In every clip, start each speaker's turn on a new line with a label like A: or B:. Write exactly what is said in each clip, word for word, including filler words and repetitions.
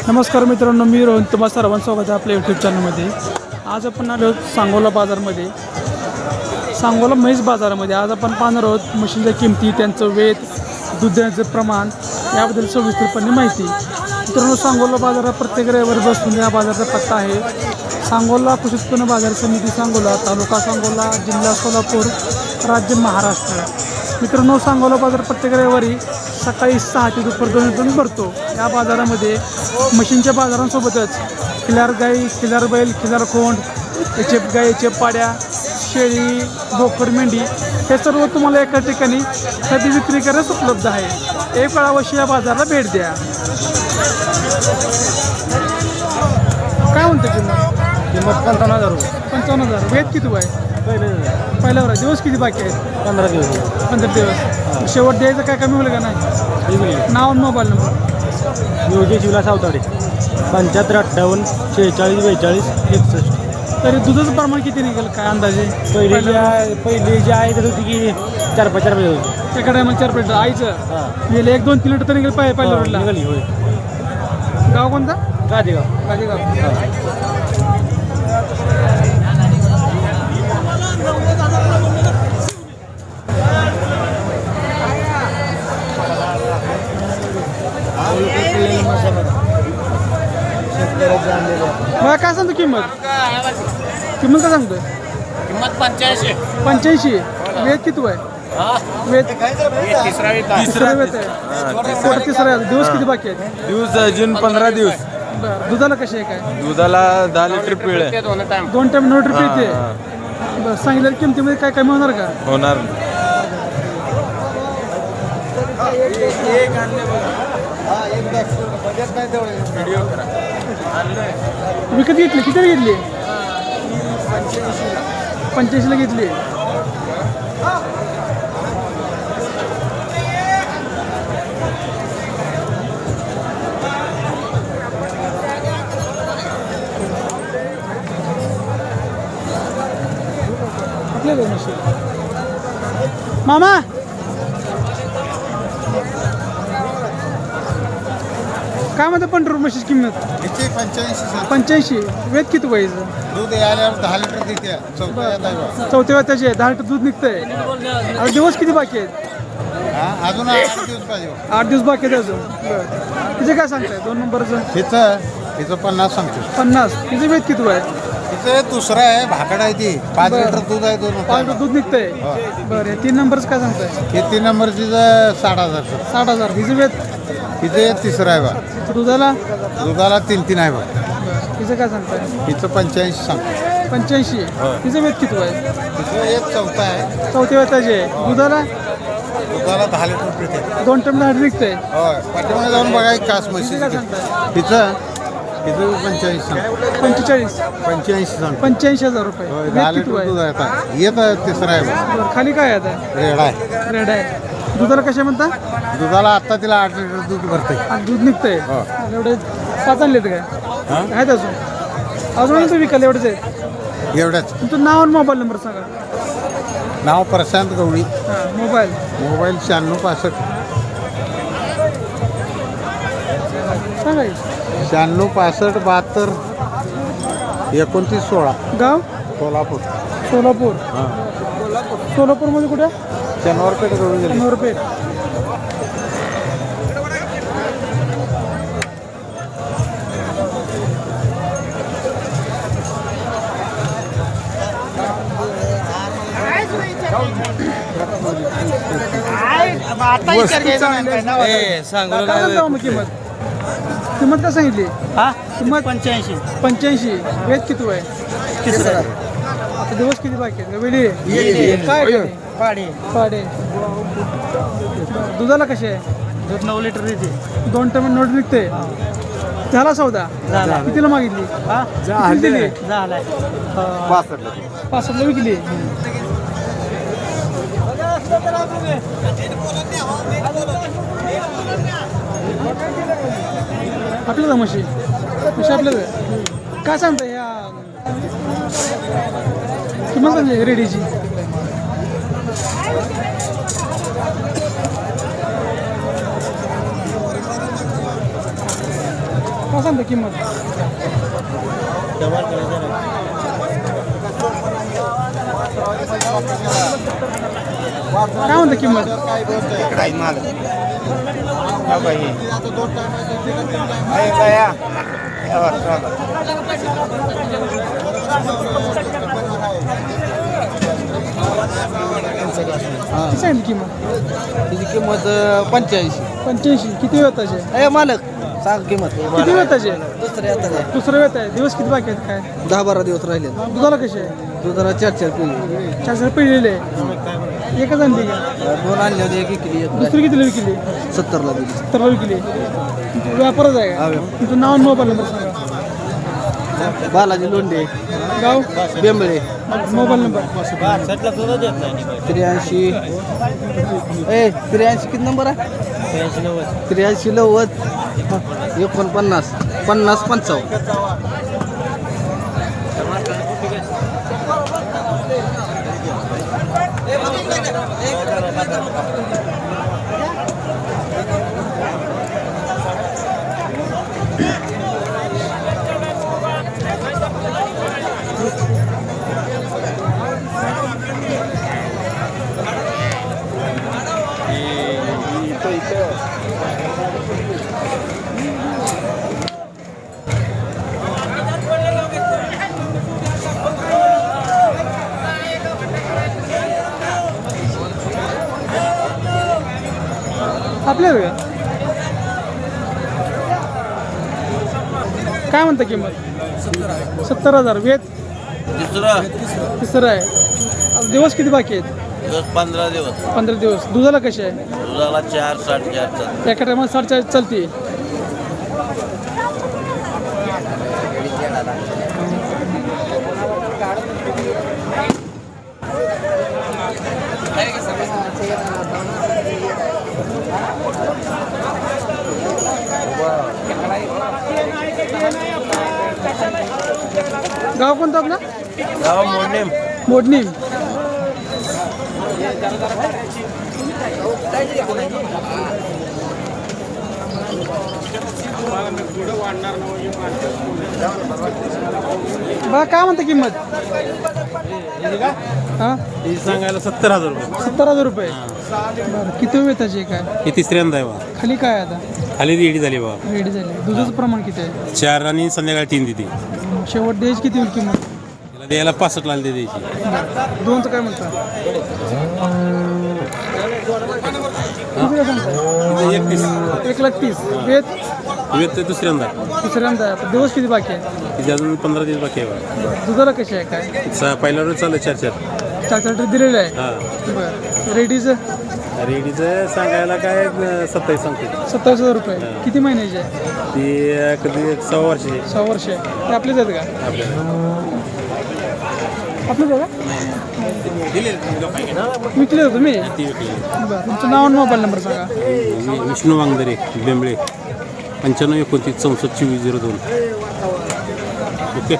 A: नमस्कार मित्रांनो, मी रोहन तुम्हा सर्वांचं स्वागत आहे आपल्या यूट्यूब चॅनलमध्ये. आज आपण आलो सांगोला बाजारमध्ये, सांगोला म्हैस बाजारामध्ये. आज आपण पाहणार आहोत म्हशींच्या किमती, त्यांचं वेत, दुधाचं प्रमाण याबद्दल सविस्तरपणे माहिती. मित्रांनो, सांगोला बाजारात प्रत्येक रविवारी बसून या बाजाराचा पत्ता आहे सांगोला कृषी उत्पन्न बाजार समिती, सांगोला, तालुका सांगोला, जिल्हा सोलापूर, राज्य महाराष्ट्र. मित्रांनो, सांगोला बाजार प्रत्येक रविवारी सकाळी सहा ते दुपार दोनपर्यंत भरतो. या बाजारामध्ये म्हशींच्या बाजारांसोबतच खिलार गाई, खिलार बैल, खिलार खोंड, याचे गाई, याचे पाड्या, शेळी, बोकड, मेंढी हे सर्व तुम्हाला एका ठिकाणी खरेदी विक्री करण्यास उपलब्ध आहे. एक वेळा अवश्य या बाजाराला भेट द्या. काय म्हणते किंमत?
B: किंमत पंचावन्न हजार रुपये.
A: पंचावन्न हजार. वेद किती आहे?
B: पहिले
A: पहिल्यावर आहे. दिवस किती बाकी आहेत?
B: पंधरा दिवस.
A: पंधरा दिवस. शेवट द्यायचं काय कमी होईल का नाही? नाव आणि मोबाईल नंबर?
B: योगेश विलास सावताडे, पंच्याहत्तर अठ्ठावन्न शेहेचाळीस बेचाळीस एकसष्ट.
A: तरी दुधाचं प्रमाण किती निघेल काय अंदाजे?
B: पहिली जी आहे पहिली जी आहे तर होती की चार पाच चार पाच होती.
A: एका टायमाला चार प्लेट आईचं
B: हां
A: गेले एक दोन तीन लिटर तर निघेल पाहिजे पहिल्या रोडला.
B: निघाली होय.
A: गाव कोणता?
B: गादेगाव.
A: गाजेगाव. मला काय सांगतो किंमत? किंमत काय सांगतोय?
C: किंमत पंच्याऐंशी.
A: पंच्याऐंशी. वेद किती आहे? वेद
C: तिसरा
A: तिसरा वेद आहे. पोट तिसरा आहे. दिवस किती बाकी आहेत?
D: दिवस अजून पंधरा दिवस.
A: बरं. दुधाला कशी आहे काय?
D: दुधाला दहा लिटर पिळ आहे.
A: दोन टाइम नऊ लिटर पिळते. बरं. सांगितलेल्या किमतीमध्ये काय कमी होणार का?
D: होणार.
A: विकत घेतली? किती घेतली? पंच्याऐंशीला घेतली. मामा काय म्हणतात पंढरपूर म्हशीची किंमत?
E: पंच्याऐंशी.
A: पंच्याऐंशी. वेद किती व्हायचं?
E: दूध यायल्यावर दहा लिटर देते. चौथ्या
A: चौथ्या वेळ त्याचे दहा लिटर दूध निघतंय. आता दिवस किती बाकी आहेत?
E: हा अजून आठ दिवस पाहिजे.
A: आठ दिवस बाकी आहेत अजून. बरं. तिचे काय सांगताय? दोन नंबरचं
E: हिचं हिचं पन्नास सांगतो.
A: पन्नास. तिचे वेद किती आहे?
E: तिचं दुसरं आहे, भाकड आहे ती. पाच
A: बरं.
E: लिटर दूध आहे. दोन
A: पाच लिटर दूध निघतंय. बरं. हे तीन नंबरचं काय सांगताय?
E: हे तीन नंबर तिचं साठ हजार.
A: साठ हजार. हिचे वेद?
E: तिचं तिसरं आहे बा.
A: दुधाला?
E: दुधाला तीन तीन आहे बा.
A: तिचं काय सांगताय?
E: हिचं पंच्याऐंशी सांगतो.
A: पंच्याऐंशी. तिचं वेद किती आहे?
E: तिचं एक चौथा आहे.
A: चौथ्या वेळ त्याचे. दुधाला?
E: दुधाला दहा लिटर पिते.
A: दोन टन दहा निघतंय.
E: होय. पाठीमागे जाऊन बघा एक कास म्हशी.
A: तिचं काय सांगताय?
E: तिचं तिचं पंच्याऐंशी सांगतो.
A: पंचेचाळीस.
E: पंच्याऐंशी सांगतो.
A: पंच्याऐंशी हजार रुपये.
E: होय.
A: वेद
E: दहा
A: किती
E: लिटर दूध
A: आहे?
E: आहे आता. येत तिसरं आहे बा.
A: बरं. खाली काय आहे आता?
E: रेड आहे.
A: रेड आहे. दुधाला कशा म्हणता?
E: दुधाला आता तिला आठ लिटर दूध भरते.
A: आज दूध निघतंय.
E: हो.
A: एवढे पाच आणलेत काय?
E: हां
A: आहेत अजून अजून तुम्ही विकायला एवढेच आहेत?
E: एवढ्याच.
A: तुमचं नाव आणि मोबाईल नंबर सांगा.
E: नाव प्रशांत गवळी.
A: हां. मोबाईल?
E: मोबाईल शहाण्णव पासष्ट
A: सांगा की.
E: शहाण्णव पासष्ट बहात्तर एकोणतीस सोळा.
A: गाव?
E: कोल्हापूर.
A: सोलापूर.
E: हां
A: सोलापूरमध्ये कुठे?
E: शनिवारपेठ गवळी गेली.
A: शनिवार पेठ. काय सांगता मग किंमत? किंमत काय सांगितली?
B: हा
A: किंमत
B: पंच्याऐंशी.
A: पंच्याऐंशी. वेद किती आहे?
B: तिसरा
A: आता दिवस किती बाकी आहेत? वेळी काय
B: पाडे.
A: पाडे. दुधाला कशी आहे?
B: दूध नऊ लिटर देते.
A: दोन टन नोट निघते. झाला सौदा?
B: झाला.
A: कितीला मागितली?
B: हा
A: कितीला दिली?
B: झालाय.
A: पासष्टला विकली. आपल्याला म्हशी म्हशी आपल्याला काय सांगता ह्या किंमत सांगली रेडीची? काय सांगता किंमत काय म्हणता किंमत किती सांगितली किंमत
B: तिची किंमत पंच्याऐंशी
A: पंच्याऐंशी किती वेताचे
B: ए मालक सांग किंमत
A: किती वेताचे
B: दुसरे आता काय
A: दुसरं वेत आहे दिवस किती बाकी आहेत काय
B: दहा बारा दिवस राहिले
A: दुधाला कसे आहे
B: दुधाला चार चार पिल्ली
A: चार चार पिळलेले एकच आणली का
B: दोन आणले होते एक विकली एक
A: दुसरी कितीला विकली
B: सत्तरला दिली
A: सत्तरला विकली व्यापारच आहे का तुमचं नाव आणि मोबाईल नंबर सांगा
B: बालाजी लोंढे
A: गाव
B: बेंबळे
A: मोबाईल नंबर
B: त्र्याऐंशी ए त्र्याऐंशी किती नंबर आहे त्र्याऐंशी नव्वद एकोणपन्नास पन्नास पंचावन्न
A: आपल्याला का काय म्हणता किंमत सत्तर हजार वेत
D: तिसरं
A: तिसरं आहे आता दिवस किती बाकी आहेत
D: दिवस पंधरा दिवस
A: पंधरा दिवस दुधाला कसे आहे
D: दुधाला चार साडेचार
A: एका टायमाला साडेचाळीस चालते गाव कोणतं आपलं
D: गाव मोडणे
A: मोडणी बघा काय म्हणता किंमत हा
F: सांगायला सत्तर हजार रुपये
A: सत्तर हजार रुपये बरं किती वेताची आहे काय
F: हे तिसऱ्यांदा आहे बा
A: खाली काय आहे आता
F: खाली रेडी झाली बा
A: रेडी झाली दुधाचं प्रमाण किती आहे
F: चार आणि संध्याकाळी तीन देते
A: शेवट द्यायची किती होईल किंमत
F: तिला द्यायला पासष्ट लाल दे द्यायची
A: दोनचं काय म्हणता किती काय सांगताय
F: एकतीस
A: एक लाख तीस वेत
F: वेत ते दुसऱ्यांदा
A: तिसऱ्यांदा आहे. आता दिवस किती बाकी आहे
F: तिथे अजून पंधरा दिवस बाकी आहे बा
A: दुधाला कशी आहे काय
F: सहा पहिला रोज चालू चार चार
A: चार चार लिटर दिलेलं आहे
F: हां
A: बरं रेडीचं
F: रेडीचं सांगायला काय सत्तावीस सांगते
A: सत्तावीस हजार रुपये किती महिन्याचे आहे
F: ती कधी एक सहा वर्षाची
A: सहा वर्ष आहे ते आपलेच आहेत का
F: आपल्याला
A: आपलेच आहे का विकले होते तुम्ही
F: ती विकली
A: बरं तुमचं नाव आणि मोबाईल नंबर सांगा
F: मी विष्णू वांगदरे बेंबळे पंच्याण्णव एकोणतीस चौसष्ट चोवीस झिरो दोन ओके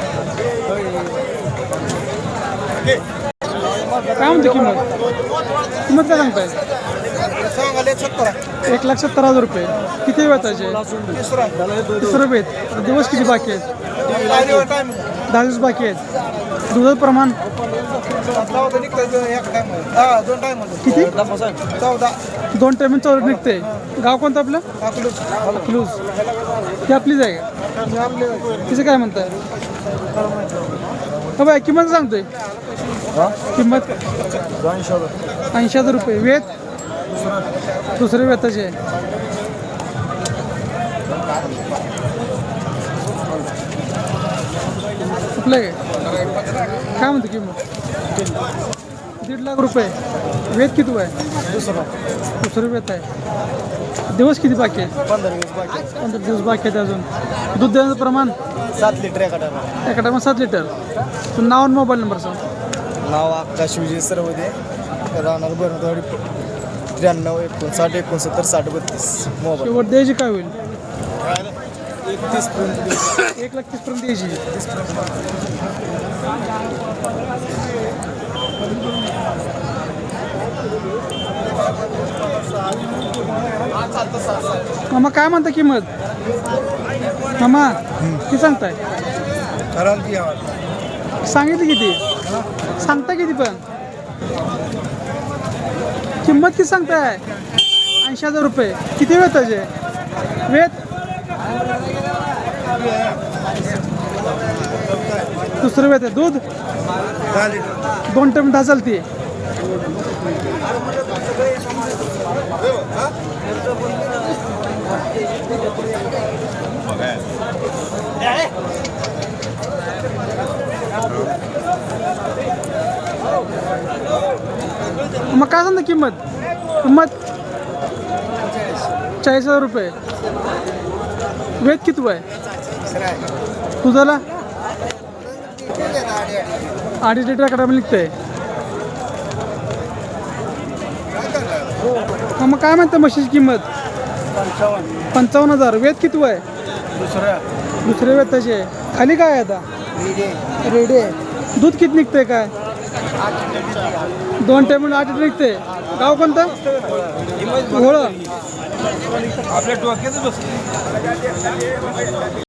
A: काय म्हणते किंमत किंमत काय सांगताय एक लाख सत्तर हजार रुपये किती वेताचे तिसरं वेत आता दिवस किती बाकी आहेत दहा दिवस बाकी आहेत दुधाचं प्रमाण किती दोन टाइम चौदा निघते गाव कोणतं आपलं अकलूज ती आपलीच आहे का तिचं काय म्हणताय हो बाय किंमत सांगतोय किंमत ऐंशी हजार रुपये वेत दुसरे वेताचे आपलं काय काय म्हणतो किंमत दीड लाख रुपये वेत किती आहे दुसरं वेत आहे दिवस किती बाकी आहेत
B: पंधरा दिवस बाकी
A: पंधरा दिवस बाकी आहेत अजून दूध देण्याचं प्रमाण
B: सात लिटर एका टायमाला
A: एका टायमा सात लिटर तुझं नाव आणि मोबाईल नंबर सांग
B: नाव आकाश विजय सरवदे राहणार बरणवाडी त्र्याण्णव एकोणसाठ एकोणसत्तर साठ बत्तीस मोबाईल
A: शेवट द्यायची काय होईल
B: एकतीस पर्यंत
A: एक लाख तीस पर्यंत द्यायची मग काय म्हणता किंमत मामा किती सांगताय सांगितली किती सांगता किती पण किंमत किती सांगताय ऐंशी हजार रुपये किती वेळ त्याचे वेत दुसरं वेत आहे दूध दोन टाइम दहा चालते मग काय सांगता किंमत किंमत चाळीस हजार रुपये वेद किती आहे तुझाला अडीच लिटर कडा निघतंय मग काय म्हणतं म्हशीची किंमत पंचावन्न हजार वेद किती आहे दुसरे वेद त्याचे खाली काय आहे आता रेडी आहे दूध किती निघतंय काय दोन टाइम आठ लिटर निघते गाव कोणतं घोळ आपल्या डोक्यात बस